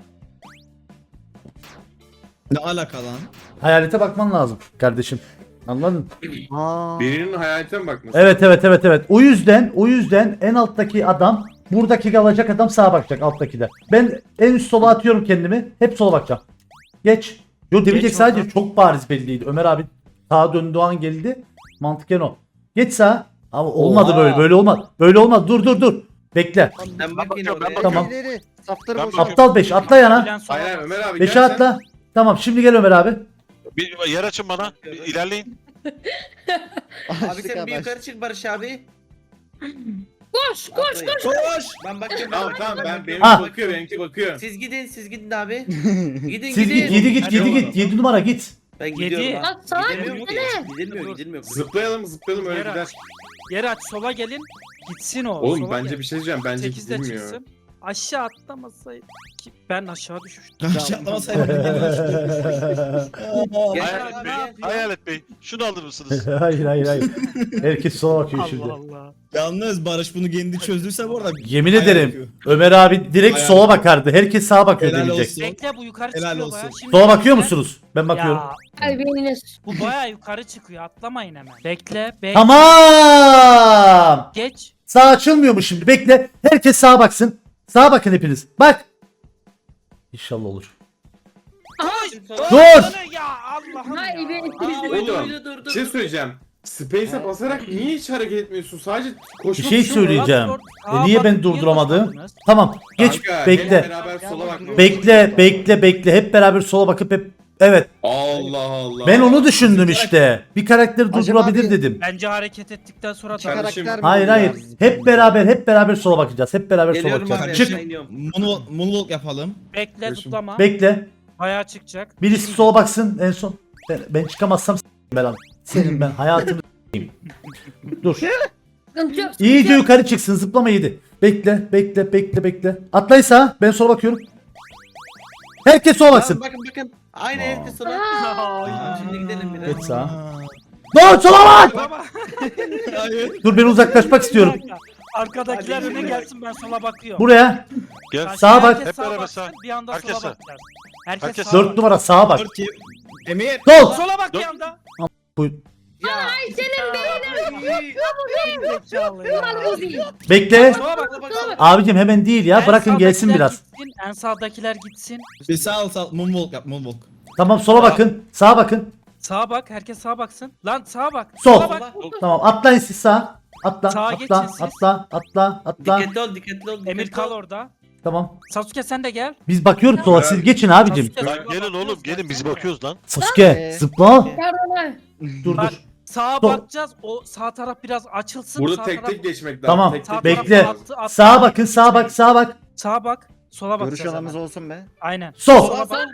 Speaker 3: Ne alaka lan?
Speaker 1: Hayalete bakman lazım kardeşim. Anladın?
Speaker 2: Birinin hayalete mi bakması?
Speaker 1: Evet. O yüzden en alttaki adam buradaki kalacak adam sağa bakacak alttaki de. Ben en üst sola atıyorum kendimi. Hep sola bakacağım. Geç. Yo demeyecek
Speaker 7: Geç
Speaker 1: sadece
Speaker 7: oradan.
Speaker 1: çok bariz belliydi. Ömer abi sağa döndüğü an geldi. Mantıken o. Geç sağa. Ama olmadı
Speaker 3: Oha.
Speaker 1: böyle. Böyle olmaz. Böyle olmaz. Dur. Bekle.
Speaker 4: Ben bak yine
Speaker 8: bakıyorum, ben
Speaker 4: oraya.
Speaker 1: Tamam.
Speaker 6: İleri. Safları
Speaker 8: Ben
Speaker 6: boş.
Speaker 8: bakıyorum.
Speaker 1: Aptal 5 atla yana.
Speaker 7: Bilen sola
Speaker 2: Hayır
Speaker 7: bak.
Speaker 2: Ömer abi
Speaker 1: 5'e
Speaker 2: gel sen.
Speaker 1: atla. Tamam şimdi gel Ömer abi.
Speaker 8: Bir yer açın bana. İlerleyin.
Speaker 4: Abi sen bir yukarı çık Barış abi.
Speaker 5: Koş.
Speaker 3: Koş.
Speaker 4: Ben bakıyorum.
Speaker 2: Tamam benimki
Speaker 1: Ha.
Speaker 2: bakıyor.
Speaker 4: Siz gidin abi. Gidin
Speaker 1: Siz git 7 git 7 git. 7 numara git.
Speaker 4: Ben
Speaker 7: Yedi.
Speaker 4: gidiyorum.
Speaker 5: Bak sağa
Speaker 4: Gidemiyorum ki.
Speaker 5: gitsene.
Speaker 4: Gidilmiyor.
Speaker 2: Zıplayalım öyle
Speaker 7: Yer
Speaker 2: gider.
Speaker 7: aç. Yer aç sola gelin. Gitsin o.
Speaker 2: Oğlum
Speaker 7: sola
Speaker 2: bence
Speaker 7: gel.
Speaker 2: bir şey diyeceğim. Bence
Speaker 7: 8'de
Speaker 2: gidilmiyor.
Speaker 7: çıksın. Aşağı atlamasaydı ki ben aşağı düşmüştüm.
Speaker 3: Aşağılamasaydım.
Speaker 4: Gel
Speaker 8: Hayalet
Speaker 4: abi,
Speaker 8: Bey.
Speaker 4: gel.
Speaker 8: Hayalet Bey. Şunu alır mısınız?
Speaker 1: hayır. Herkes sola bakıyor şimdi.
Speaker 7: Allah Allah.
Speaker 3: Yalnız Barış bunu kendi çözdüyse bu arada.
Speaker 1: Yemin
Speaker 3: Hayal
Speaker 1: ederim.
Speaker 3: yapıyor.
Speaker 1: Ömer abi direkt
Speaker 3: Hayal
Speaker 1: sola bakardı. Herkes sağa bakıyor
Speaker 3: Helal
Speaker 1: demeyecek.
Speaker 3: olsun.
Speaker 7: Bekle bu yukarı
Speaker 3: Helal
Speaker 7: çıkıyor
Speaker 3: olsun.
Speaker 7: baya. Şimdi
Speaker 1: Sola bakıyor
Speaker 7: bekle.
Speaker 1: musunuz? Ben bakıyorum.
Speaker 7: Ya,
Speaker 5: Ay beyniniz.
Speaker 7: bu baya yukarı çıkıyor. Atlamayın hemen. Bekle.
Speaker 1: Tamam.
Speaker 7: Geç.
Speaker 1: Sağ açılmıyor mu şimdi? Bekle. Herkes sağa baksın. Sağa bakın hepiniz. Bak. İnşallah olur.
Speaker 7: Koş.
Speaker 1: Dur.
Speaker 7: Ya Allah'ım
Speaker 5: Ay
Speaker 7: ya.
Speaker 5: beyniniz.
Speaker 2: Oğlum bir şey söyleyeceğim. Space'e basarak niye hiç hareket etmiyorsun? Sadece
Speaker 1: Bir
Speaker 2: koşma
Speaker 1: şey
Speaker 2: tuşu mu var?
Speaker 1: söyleyeceğim.
Speaker 7: Aa,
Speaker 1: Niye
Speaker 7: bak,
Speaker 1: ben
Speaker 7: niye
Speaker 1: durduramadım?
Speaker 7: koşmadınız?
Speaker 1: Tamam. Geç
Speaker 2: Kanka, hep
Speaker 1: bekle.
Speaker 2: beraber sola bak.
Speaker 1: Bekle. Hep beraber sola bakıp hep evet.
Speaker 2: Allah Allah.
Speaker 1: Ben onu düşündüm işte. Bir karakteri
Speaker 6: Acaba
Speaker 1: durdurabilir
Speaker 6: bir-
Speaker 1: dedim.
Speaker 7: Bence hareket ettikten sonra
Speaker 6: İki
Speaker 2: Kardeşim,
Speaker 6: karakter mi
Speaker 1: Hayır
Speaker 6: oluyor?
Speaker 1: Hep beraber sola bakacağız. Hep beraber sola
Speaker 4: Geliyorum abi
Speaker 1: bakacağız. Çık.
Speaker 4: aşağı iniyorum.
Speaker 3: Moonwalk yapalım.
Speaker 7: bekle
Speaker 2: Kardeşim.
Speaker 7: tutlama.
Speaker 1: Bekle.
Speaker 7: Bayağı çıkacak.
Speaker 1: Birisi sola baksın en son. Ben çıkamazsam ben senin ben hayatını s**eyim. Dur.
Speaker 5: Sıkıntı yok.
Speaker 1: İyice yukarı çıksın. Zıplama 7. Bekle. Atlaysa ben sola bakıyorum. Herkes sola baksın.
Speaker 4: Bakın. Aynı
Speaker 1: Aa.
Speaker 4: herkes sola. Şimdi gidelim biraz.
Speaker 1: Geç sağa. Dur sola bak.
Speaker 7: Baba.
Speaker 1: Dur ben uzaklaşmak istiyorum.
Speaker 7: Arkadakiler öne gelsin ben sola bakıyorum.
Speaker 1: Buraya.
Speaker 8: Gel.
Speaker 7: Karşıya
Speaker 1: Sağa bak.
Speaker 7: herkes
Speaker 8: Hep beraber
Speaker 7: baksın,
Speaker 8: sağ.
Speaker 7: Bir anda
Speaker 8: Herkes
Speaker 7: sola
Speaker 8: sağ.
Speaker 7: bakacağız. Herkes
Speaker 8: Herkes
Speaker 7: sağa
Speaker 1: 4
Speaker 7: bak.
Speaker 1: numara sağa bak.
Speaker 3: 4 kim? Emir.
Speaker 1: Sol.
Speaker 7: Sola bak bir
Speaker 8: Dört-
Speaker 7: anda.
Speaker 5: Ay senin
Speaker 7: Zekalı ya.
Speaker 1: Bekle.
Speaker 7: Sola bak.
Speaker 1: Abicim hemen değil ya.
Speaker 7: En
Speaker 1: Bırakın gelsin
Speaker 7: sağdakiler
Speaker 1: biraz.
Speaker 7: Gitsin, en sağdakiler gitsin.
Speaker 3: Bir sağ moonwalk yap moonwalk.
Speaker 1: Tamam sola bakın. Sağa bakın.
Speaker 7: Sağa bak. Herkes sağa baksın. Lan sağa bak.
Speaker 1: Sol.
Speaker 7: Sola bak.
Speaker 1: Tamam atlayın siz sağa.
Speaker 7: Sağa
Speaker 1: Atla.
Speaker 7: geçin siz.
Speaker 1: Atla.
Speaker 4: Dikkatli ol.
Speaker 7: Emir kal orada.
Speaker 1: Tamam.
Speaker 7: Sasuke sen de gel.
Speaker 1: Biz bakıyoruz sola. Siz geçin abicim.
Speaker 7: Sasuke,
Speaker 8: Lan
Speaker 7: sola
Speaker 8: gelin
Speaker 7: bakıyoruz,
Speaker 8: oğlum gelin biz
Speaker 7: gelsene.
Speaker 8: bakıyoruz lan.
Speaker 1: Sasuke zıpla.
Speaker 5: Pardon abi.
Speaker 1: Dur
Speaker 7: Bak,
Speaker 1: dur.
Speaker 7: Sağa
Speaker 1: Sol.
Speaker 7: bakacağız. O sağ taraf biraz açılsın.
Speaker 2: Burada
Speaker 7: sağ
Speaker 2: tek
Speaker 7: taraf-
Speaker 2: tek geçmek lazım.
Speaker 1: Tamam.
Speaker 2: Tek tek
Speaker 7: Sağ
Speaker 1: Bekle.
Speaker 7: tarafa attı.
Speaker 1: Sağa bakın. Sağa bak.
Speaker 7: Sağa bak. Sola
Speaker 6: Görüş
Speaker 7: bakacağız.
Speaker 6: alanımız
Speaker 7: hemen.
Speaker 6: olsun be.
Speaker 7: Aynen.
Speaker 1: Sol.
Speaker 7: Sola bak.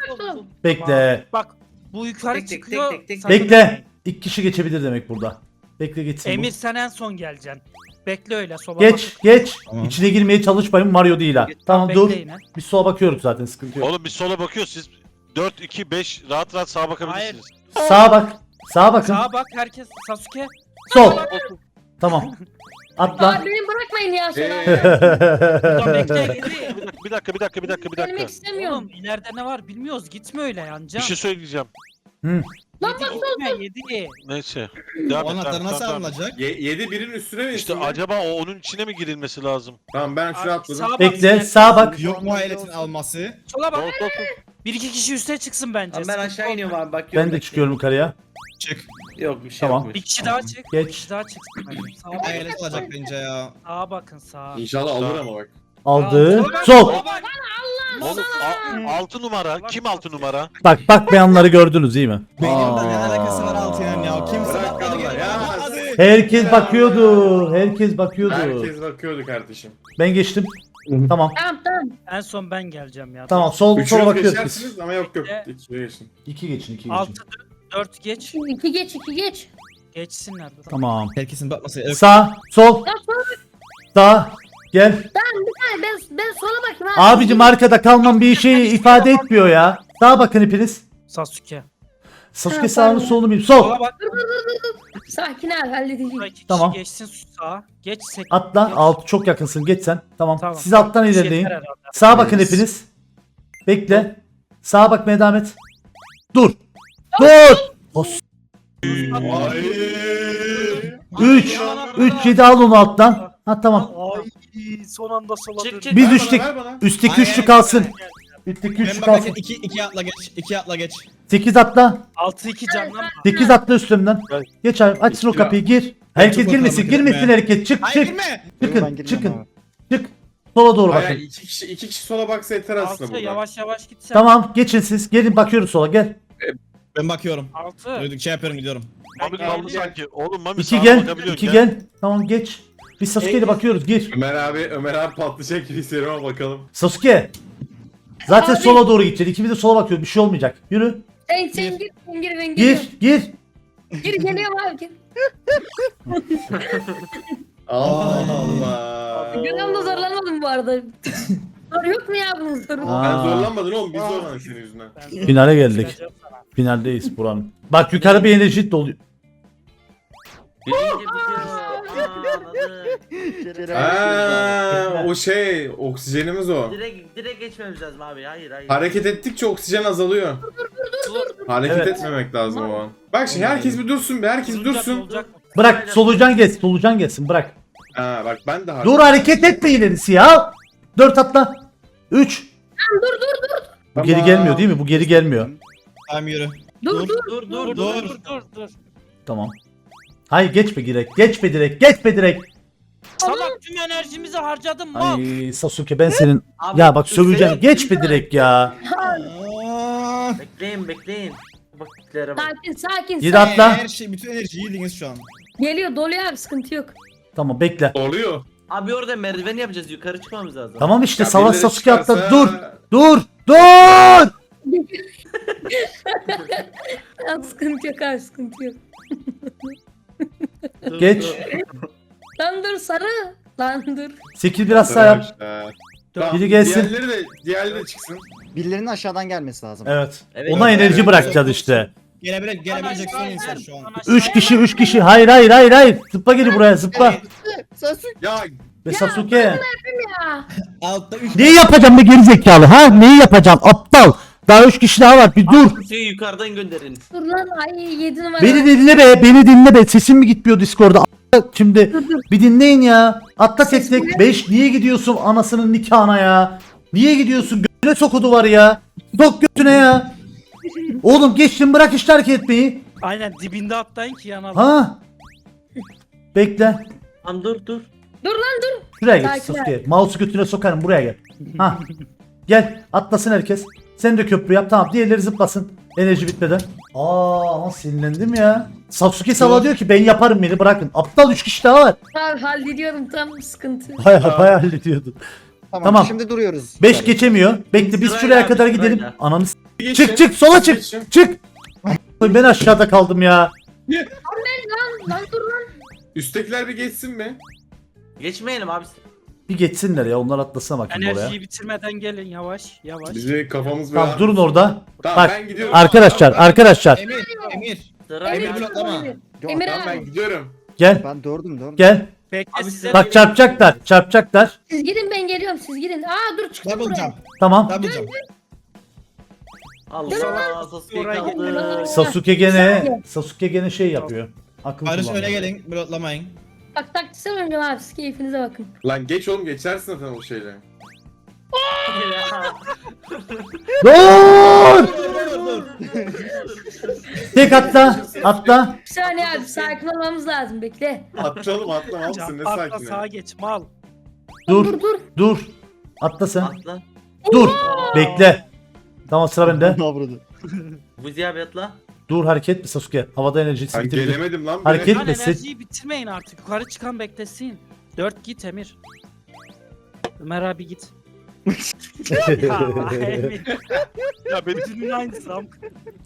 Speaker 1: Bekle.
Speaker 7: Bak bu yukarı
Speaker 4: Tek tek,
Speaker 7: çıkıyor.
Speaker 4: tek tek, tek.
Speaker 7: sakın
Speaker 1: Bekle.
Speaker 7: yapmayın.
Speaker 1: 2 kişi geçebilir demek burada. Bekle geçsin
Speaker 7: Emir
Speaker 1: bu.
Speaker 7: sen en son geleceksin. Bekle öyle sola
Speaker 1: Geç.
Speaker 3: Tamam.
Speaker 1: İçine girmeye çalışmayın. Mario değil ha. Tamam dur.
Speaker 7: Bekleyin ha.
Speaker 1: Biz sola bakıyoruz zaten. Sıkıntı yok.
Speaker 8: Oğlum biz sola bakıyoruz siz 4 2 5 rahat sağa bakabilirsiniz.
Speaker 1: Sağa bak. Sağa bakın.
Speaker 7: Sağa bak herkes. Sasuke.
Speaker 1: Sol. Tamam. Atla.
Speaker 5: Abi beni bırakmayın ya şöyle.
Speaker 7: Buradan bekle.
Speaker 8: Bir dakika.
Speaker 5: Gelmek istemiyorum.
Speaker 7: Oğlum ileride ne var bilmiyoruz. Gitme öyle
Speaker 8: Bir
Speaker 7: yancan.
Speaker 8: şey söyleyeceğim.
Speaker 5: Lan bak
Speaker 7: Gitme 7.
Speaker 8: Neyse.
Speaker 3: O
Speaker 8: Devam et.
Speaker 3: anahtar nasıl
Speaker 8: Tamam.
Speaker 3: alınacak?
Speaker 2: 7 birin üstüne mi?
Speaker 8: İşte
Speaker 2: üstüne?
Speaker 8: acaba o onun içine mi girilmesi lazım?
Speaker 2: Tamam ben şuraya atladım.
Speaker 7: Sağa bak,
Speaker 1: Bekle.
Speaker 7: ileride.
Speaker 1: Sağa bak.
Speaker 3: Yok mu hayaletin alması?
Speaker 7: Sola bak.
Speaker 8: Sol.
Speaker 7: 1-2 kişi üste çıksın bence.
Speaker 4: Tamam, ben
Speaker 7: Sıkıntı
Speaker 4: aşağı
Speaker 7: olmaz.
Speaker 4: iniyorum abi bakıyorum.
Speaker 1: Ben de çıkıyorum yukarıya.
Speaker 3: Çık.
Speaker 4: Yok bir şey
Speaker 1: Tamam.
Speaker 4: yokmuş.
Speaker 7: Bir kişi daha çık.
Speaker 1: Geç.
Speaker 7: Bir kişi daha çıksın. bence. Sağa bak.
Speaker 3: Hayalet alacak bence ya.
Speaker 7: Sağa bakın sağa.
Speaker 2: İnşallah alır ama bak.
Speaker 1: Aldı.
Speaker 7: Sola bak,
Speaker 1: Sol.
Speaker 7: sola bak.
Speaker 8: Oğlum 6 numara. Kim 6 numara?
Speaker 1: Bak beyanları gördünüz değil mi?
Speaker 3: Benim de ne alakası var altıyla ya? Kimse
Speaker 2: Bırak
Speaker 3: bakmadı
Speaker 2: Allah
Speaker 3: geri.
Speaker 2: ya.
Speaker 3: Hadi.
Speaker 1: Herkes bakıyordu. Herkes bakıyordu.
Speaker 2: Herkes bakıyordu kardeşim.
Speaker 1: Ben geçtim. Tamam.
Speaker 5: Tamam.
Speaker 7: En son ben geleceğim ya.
Speaker 1: Tamam sola
Speaker 2: Üçünüz
Speaker 1: bakıyoruz biz.
Speaker 2: geçersiniz ama yok.
Speaker 7: Evet.
Speaker 2: 2'ye geçin.
Speaker 1: 2 geçin.
Speaker 7: 6 4 geç.
Speaker 5: 2 geç.
Speaker 7: Geçsinler.
Speaker 1: Tamam.
Speaker 3: Herkesin bakması. Evet.
Speaker 1: Sağ, sol,
Speaker 5: Lan sola bak.
Speaker 1: sağ. Gel.
Speaker 5: Ben sola bakayım abi.
Speaker 1: Abicim arkada kalmam bir şey ifade etmiyor ya. Sağa bakın hepiniz.
Speaker 7: Sasuke.
Speaker 1: Sasuke sağını solunu bileyim. Sol.
Speaker 7: Sola bak.
Speaker 5: Sakin abi halledeceğim.
Speaker 7: Burada 2 kişi
Speaker 1: Tamam.
Speaker 7: geçsin sağa. Geç sek.
Speaker 1: Atla.
Speaker 7: geç.
Speaker 1: Alt çok yakınsın. Geç sen. Tamam.
Speaker 7: Tamam.
Speaker 1: Siz alttan
Speaker 7: Bir şey
Speaker 1: ilerleyin.
Speaker 7: yeter herhalde.
Speaker 1: Sağa bakın hepiniz. Bekle. Sağa bakmaya devam et. Dur. Dur. 3. 3 7 al onu alttan. Ha tamam.
Speaker 7: Ay son anda sola
Speaker 4: Çık,
Speaker 7: dön.
Speaker 4: çık.
Speaker 1: Biz
Speaker 2: Ver bana,
Speaker 1: üçlük.
Speaker 2: ver bana.
Speaker 1: Üstteki
Speaker 3: Hayır,
Speaker 1: üçlü kalsın. Üstteki
Speaker 3: Ben
Speaker 1: üçlü
Speaker 3: bakarken
Speaker 1: kalsın.
Speaker 3: 2 atla geç. 2 atla geç.
Speaker 1: 8 atla.
Speaker 7: 6-2 canlanma.
Speaker 1: 8 atla üstümden. Geç abi açsın o kapıyı gir. Herkes
Speaker 3: çok
Speaker 1: girmesin
Speaker 3: korkarım
Speaker 1: girmesin
Speaker 3: ya.
Speaker 1: herkes. Çık
Speaker 3: Hayır
Speaker 1: çık.
Speaker 3: girme.
Speaker 6: Ben
Speaker 1: Çıkın
Speaker 6: girmem
Speaker 1: çıkın.
Speaker 6: abi.
Speaker 1: Çık. Sola doğru
Speaker 2: Hayır,
Speaker 1: bakın.
Speaker 2: 2 kişi sola baksa yeter aslında
Speaker 7: 6
Speaker 2: burada.
Speaker 7: yavaş yavaş git sen.
Speaker 1: Tamam geçin siz. Gelin bakıyoruz sola gel.
Speaker 3: Ben bakıyorum.
Speaker 7: 6.
Speaker 3: Duyduk şey yapıyorum gidiyorum.
Speaker 8: Mami
Speaker 7: gel,
Speaker 8: kaldı
Speaker 7: gel.
Speaker 8: sanki. Oğlum Mami
Speaker 1: 2
Speaker 8: sağa
Speaker 1: gel.
Speaker 8: bakabiliyorsun
Speaker 1: 2 gel. Tamam geç. Biz Sasuke'yle bakıyoruz gir.
Speaker 2: Ömer abi patlayacak gibi hissediyorum ama bakalım.
Speaker 1: Sasuke. Zaten
Speaker 5: Abi.
Speaker 1: sola doğru gideceğiz. İkimiz de sola bakıyoruz. Bir şey olmayacak. Yürü.
Speaker 5: Sen gir ben giriyorum.
Speaker 1: Gir.
Speaker 5: Gir geliyorum abi gir.
Speaker 2: Allah Allah.
Speaker 5: Giriyorum da zorlanmadım bu arada. Soru yok mu ya bunun soru?
Speaker 1: Aa.
Speaker 2: Ben zorlanmadın oğlum biz zorlandık senin yüzünden.
Speaker 1: Finale geldik. Finaldeyiz buranın. Bak yukarı bir enerji doluyor.
Speaker 4: Birinci bitiyor. Anladım.
Speaker 2: Aa, o şey oksijenimiz o.
Speaker 4: Direkt geçmemiz lazım abi. Hayır.
Speaker 2: Hareket ettikçe oksijen azalıyor. Hareket
Speaker 1: Evet.
Speaker 2: etmemek lazım o an. Bak şimdi herkes bir dursun be, herkes bir dursun.
Speaker 7: Olacak mı?
Speaker 1: Bırak solucan gelsin. Solucan gelsin bırak.
Speaker 2: Ha bak ben de hareket.
Speaker 1: Dur hareket etme ilerisi ya. 4 atla. 3. Bu geri
Speaker 2: Tamam.
Speaker 1: gelmiyor değil mi? Bu geri gelmiyor.
Speaker 3: Tamam yürü.
Speaker 5: Dur.
Speaker 7: Dur.
Speaker 1: Tamam. Hayır geçme direkt. Geçme direkt. Geçme direkt.
Speaker 7: Salak tüm enerjimizi harcadım mal.
Speaker 1: Ay Sasuke ben senin.
Speaker 4: Abi,
Speaker 1: Ya bak
Speaker 4: dur,
Speaker 1: söveceğim.
Speaker 4: seni-
Speaker 1: Geçme direkt ya.
Speaker 3: Aa,
Speaker 4: Bekleyin. Vakitlere bak.
Speaker 5: Sakin.
Speaker 1: Gir atla.
Speaker 3: her şey, bütün enerjiyi yediniz şu an.
Speaker 5: Geliyor doluyor abi sıkıntı yok.
Speaker 1: Tamam bekle.
Speaker 2: Oluyor.
Speaker 4: Abi orada merdiven yapacağız. Yukarı çıkmamız lazım.
Speaker 1: Tamam işte
Speaker 2: Ya
Speaker 1: Savaş
Speaker 2: birileri
Speaker 1: Sasuke atla.
Speaker 2: çıkarsa-
Speaker 1: Dur. Dur. Dur.
Speaker 5: Ya, sıkıntı yok abi sıkıntı yok.
Speaker 4: Dur,
Speaker 1: Geç.
Speaker 4: dur.
Speaker 5: Lan dur sarı. Lan dur.
Speaker 1: 8 biraz sağ yap.
Speaker 2: Arkadaşlar. Tamam,
Speaker 1: Biri gelsin.
Speaker 2: Diğerleri de çıksın.
Speaker 6: Birilerinin aşağıdan gelmesi lazım.
Speaker 1: Evet.
Speaker 4: Evet.
Speaker 1: Ona enerji
Speaker 2: Evet.
Speaker 1: bırakacağız işte.
Speaker 3: Gelebilecek son insan şu an.
Speaker 1: 3 kişi. Hayır. Zıpla gel buraya zıpla.
Speaker 6: Sasuke.
Speaker 2: Ya
Speaker 1: Ve Sasuke.
Speaker 5: Ya.
Speaker 3: Altta 3
Speaker 1: Neyi yapacağım be gerizekalı ha? Neyi yapacağım aptal? Daha 3 kişi daha var bir dur.
Speaker 4: Kutuyu yukarıdan gönderin.
Speaker 5: Dur lan ay 7 numara.
Speaker 1: Beni dinle be. Sesim mi gitmiyor Discord'da? Şimdi bir dinleyin ya. Atla tek tek. 5 niye gidiyorsun anasının nikahına ya? Niye gidiyorsun? Götüne sok o duvarı ya. Sok götüne ya. Oğlum geçtim bırak işte hareket etmeyi.
Speaker 7: Aynen dibinde atlayın ki yanalım.
Speaker 1: Ha? Bekle.
Speaker 4: Tamam dur.
Speaker 5: Dur lan dur.
Speaker 1: Şuraya gel
Speaker 5: Sakin
Speaker 1: Sasuke. Mouse'u götüne sokarım buraya gel. Ha. Gel atlasın herkes. Sen de köprü yap tamam diğerleri zıplasın. Enerji bitmeden. Ama sinirlendim ya. Sasuke Sava diyor ki ben yaparım beni bırakın. Aptal 3 kişi daha var.
Speaker 5: Abi hallediyorum tam sıkıntı.
Speaker 1: Bayağı hallediyordum.
Speaker 6: Tamam.
Speaker 1: Tamam.
Speaker 6: Şimdi duruyoruz.
Speaker 1: 5 geçemiyor. Bekle biz
Speaker 4: Sırayla
Speaker 1: şuraya
Speaker 4: abi,
Speaker 1: kadar
Speaker 4: sırayla.
Speaker 1: gidelim. Ananı s-
Speaker 2: geçin.
Speaker 1: çık sola çık.
Speaker 2: Geçin.
Speaker 1: Çık. Ben aşağıda kaldım ya.
Speaker 5: Lan dur lan.
Speaker 2: Üsttekiler bir geçsin mi?
Speaker 4: Geçmeyelim abi.
Speaker 1: Bir geçsinler ya onlar atlasana bakayım oraya.
Speaker 7: Enerjiyi bitirmeden gelin yavaş.
Speaker 2: Bizi kafamız
Speaker 1: Tamam
Speaker 2: biraz...
Speaker 1: durun orada.
Speaker 2: Tamam
Speaker 1: Bak,
Speaker 2: ben gidiyorum.
Speaker 1: Arkadaşlar
Speaker 3: Emir.
Speaker 4: Sırayla.
Speaker 5: Emir
Speaker 3: bloklama.
Speaker 5: abi.
Speaker 6: Yok,
Speaker 5: Emir
Speaker 2: Tamam ben
Speaker 5: abi.
Speaker 2: gidiyorum.
Speaker 1: gel
Speaker 6: Ben dördüm.
Speaker 1: gel.
Speaker 7: Bekle
Speaker 4: Abi
Speaker 7: size.
Speaker 1: Bak çarpacaklar.
Speaker 5: Siz gidin ben geliyorum siz gidin. Aa dur çıktım
Speaker 3: Double
Speaker 5: buraya.
Speaker 3: jump.
Speaker 1: Tamam.
Speaker 3: Double jump.
Speaker 4: Allah Sasuke
Speaker 7: Oraya
Speaker 4: kaldı.
Speaker 1: Sasuke gene şey yapıyor. Akıl
Speaker 3: Barış
Speaker 1: kullanıyor.
Speaker 3: öne gelin. Bloklamayın.
Speaker 5: Bak taktiksel oynayacağım abi siz keyfinize bakın.
Speaker 2: Lan geç oğlum geçersin zaten o şeyle.
Speaker 1: Dur! Tek atla.
Speaker 5: Bir saniye abi sakin olmamız lazım bekle.
Speaker 2: Atlayalım atla
Speaker 7: Can,
Speaker 2: mısın ne
Speaker 7: atla
Speaker 2: sakin
Speaker 7: sağa
Speaker 2: ya.
Speaker 7: geç mal.
Speaker 1: Dur. Atla sen.
Speaker 4: Atla.
Speaker 1: Dur. Bekle. Tamam sıra bende.
Speaker 6: Ne yapıyordu?
Speaker 4: Buzi abi atla.
Speaker 1: Dur hareket mi Sasuke? Havada enerji
Speaker 2: Ben
Speaker 1: bitirdi.
Speaker 2: gelemedim lan bile.
Speaker 1: Hareket-
Speaker 7: Lan
Speaker 1: Gitmesin.
Speaker 7: enerjiyi bitirmeyin artık. Yukarı çıkan beklesin. 4 git Emir. Ömer abi git. Ya Emir.
Speaker 8: Ya benim
Speaker 7: Bütünün aynısı am.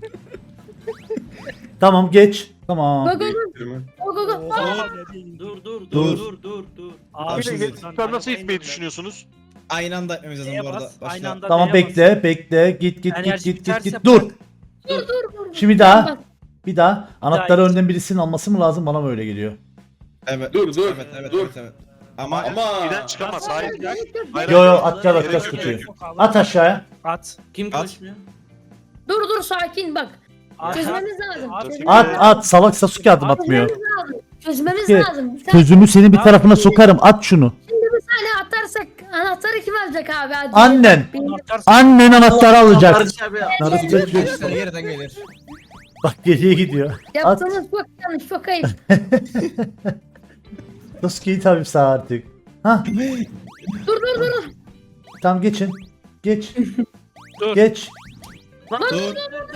Speaker 1: Tamam geç. Tamam.
Speaker 5: Go go go.
Speaker 7: Oha.
Speaker 4: Dur.
Speaker 7: Abi
Speaker 8: sen nasıl itmeyi düşünüyorsunuz?
Speaker 3: Aynı anda etmemiz lazım
Speaker 7: Neye
Speaker 3: bu arada.
Speaker 7: bas?
Speaker 3: Başla.
Speaker 7: Aynı anda
Speaker 1: Tamam
Speaker 7: neye bas?
Speaker 1: bekle. Git.
Speaker 7: Enerji biterse
Speaker 1: Dur.
Speaker 7: bırak.
Speaker 1: Şimdi daha. Bir daha. Anahtarı
Speaker 7: git.
Speaker 1: önden birisinin alması mı lazım? Bana mı öyle geliyor?
Speaker 3: Evet.
Speaker 2: Dur, dur,
Speaker 3: Evet.
Speaker 2: dur.
Speaker 3: Ama
Speaker 2: Ama
Speaker 8: Giden çıkamaz. Hayır.
Speaker 1: Yo atacağız kutuyu. At aşağıya.
Speaker 7: At.
Speaker 4: Kim
Speaker 3: At.
Speaker 4: konuşmuyor?
Speaker 5: Dur sakin bak.
Speaker 7: At.
Speaker 5: Çözmemiz lazım.
Speaker 7: At.
Speaker 5: Çözmemiz
Speaker 1: At. Salak Sasuke adım atmıyor.
Speaker 5: lazım. Çözmemiz
Speaker 1: Ki-
Speaker 5: lazım. Bir saniye.
Speaker 1: Sözümü senin bir tarafına sokarım. At şunu.
Speaker 5: Şimdi bir saniye atarsak anahtarı kim alacak abi? Hadi.
Speaker 1: Annen.
Speaker 5: Benim-
Speaker 7: Anahtar
Speaker 1: Annen anahtarı alacak.
Speaker 4: Barış abi.
Speaker 1: Narası bekliyor.
Speaker 3: Sana yerden gelir.
Speaker 1: Bak geriye gidiyor. At.
Speaker 5: Yaptığınız çok yanlış çok ayıp.
Speaker 1: Sasuke'yi tabii sağ artık. Hah.
Speaker 5: dur.
Speaker 1: Tamam geçin. Geç.
Speaker 7: Dur.
Speaker 1: Geç.
Speaker 3: Dur.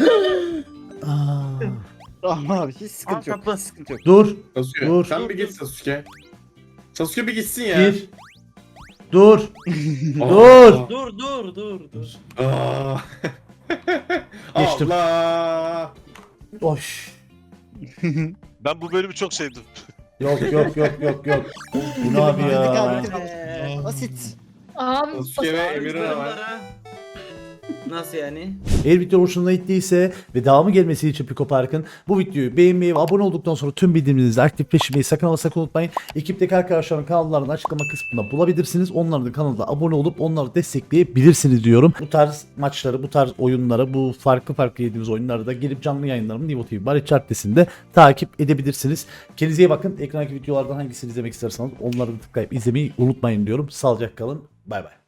Speaker 1: Aa,
Speaker 6: Tamam abi hiç sıkıntı yok.
Speaker 4: Atla.
Speaker 6: Hiç sıkıntı yok.
Speaker 1: dur.
Speaker 2: Sasuke
Speaker 1: Dur.
Speaker 2: sen bir git Sasuke. Sasuke bir gitsin ya.
Speaker 1: Bir. Dur.
Speaker 2: Aa.
Speaker 1: Dur.
Speaker 4: Dur.
Speaker 2: Aa.
Speaker 1: Geçtim.
Speaker 2: Allah.
Speaker 1: Oş.
Speaker 8: Ben bu bölümü çok sevdim.
Speaker 1: Yok. Bu ne abi ya?
Speaker 6: Basit.
Speaker 5: Abi
Speaker 2: Sasuke ve Emir'e var.
Speaker 4: Nasıl yani?
Speaker 1: Eğer video hoşunuza gittiyse ve devamı gelmesi için Piko Park'ın bu videoyu beğenmeyi ve abone olduktan sonra tüm bildirimlerinizi aktifleştirmeyi sakın ama sakın unutmayın. Ekipteki arkadaşların kanallarını açıklama kısmında bulabilirsiniz. Onların da kanalda abone olup onları destekleyebilirsiniz diyorum. Bu tarz maçları, bu tarz oyunları, bu farklı yediğimiz oyunları da gelip canlı yayınlarımı Nivo TV Barış Chart'tesinde takip edebilirsiniz. Kendinize iyi bakın. Ekrandaki videolardan hangisini izlemek isterseniz onları da tıklayıp izlemeyi unutmayın diyorum. Sağlıcakla kalın. Bay bay.